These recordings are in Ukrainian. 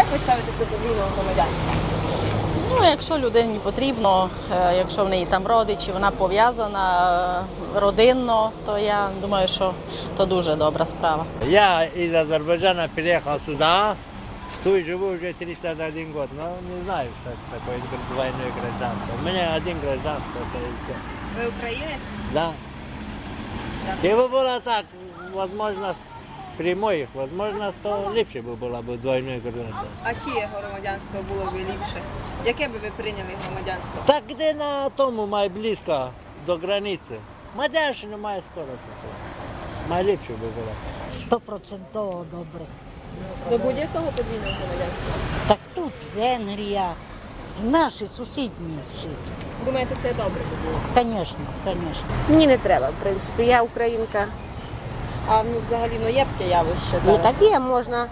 ви ставитесь до подвійного громадянства? Ну, якщо людині потрібно, якщо в неї там родичі, вона пов'язана родинно, то я думаю, що то дуже добра справа. Я из Азербайджана переехал сюда, тут живу уже 31 год, но не знаю, что это такое двойное гражданство. У меня один гражданство, это и все. Ви українець? Да. Если бы было так, возможно, прямой, возможно, то лучше бы было бы двойное гражданство. А чиє громадянство було б ліпше? Яке би ви прийняли громадянство? Так где на тому май близко до границы. Мадяшина має скоро такое. Май ліпше би було. 100% добре. До будь-якого подвійного громадянства? Так тут Венгрія, наші сусідні всі. Думаєте, це добре би було? Звісно, звісно. Ні, не треба, в принципі. Я українка. А ну, взагалі є таке явище Ну зараз? так є, можна.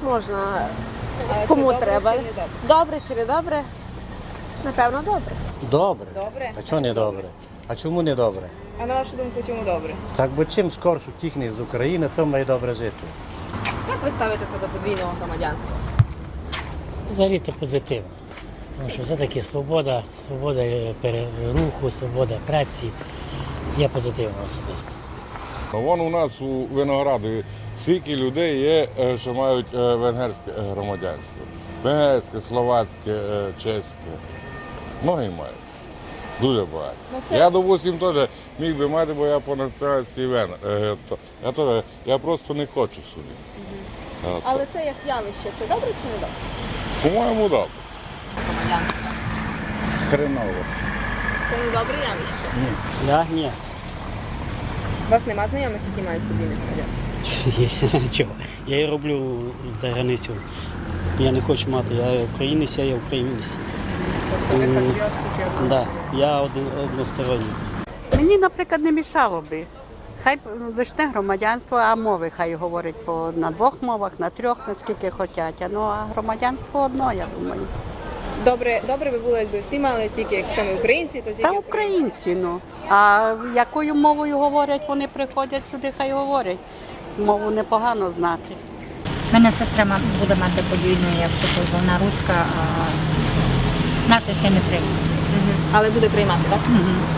А Кому це добре треба. чи не добре? Добре чи не добре? Напевно, добре. Добре. Добре? А чого не добре? А чому не добре? А на вашу думку, чому добре? Так, бо чим скорше втікне з України, то має добре жити. Як ви ставитеся до подвійного громадянства? Взагалі-то позитивно. Тому що все-таки свобода руху, свобода праці є позитивно особисто. Вон у нас у Винограді скільки людей є, що мають венгерське громадянство. Венгерське, словацьке, чеське. Многі мають. Дуже багато. Я, допустим, теж міг би мати, бо я по національності венгер. Я просто не хочу сюди. Але це як явище, це добре чи не добре? По-моєму, добре. Громадянство. Хреново. Це не добре явище. Я ні. У вас нема знайомих, які мають подвійне громадянство? Чого? Я і роблю за границю. Я не хочу мати, я українець, я українець. Тобто ви патріот тільки Да, я односторонній. Мені, наприклад, не мішало би. Хай лише громадянство, а мови хай говорять на двох мовах, на трьох, наскільки хочуть. Ну, а громадянство одно, я думаю. Добре би було, якби всі мали тільки, якщо ми українці, то тільки Та українці, ну. А якою мовою говорять, вони приходять сюди, хай говорять. Мову непогано знати. У мене сестра буде мати подвійну, якщо вона руська, а наша ще не прийме. Але буде приймати, так? Угу.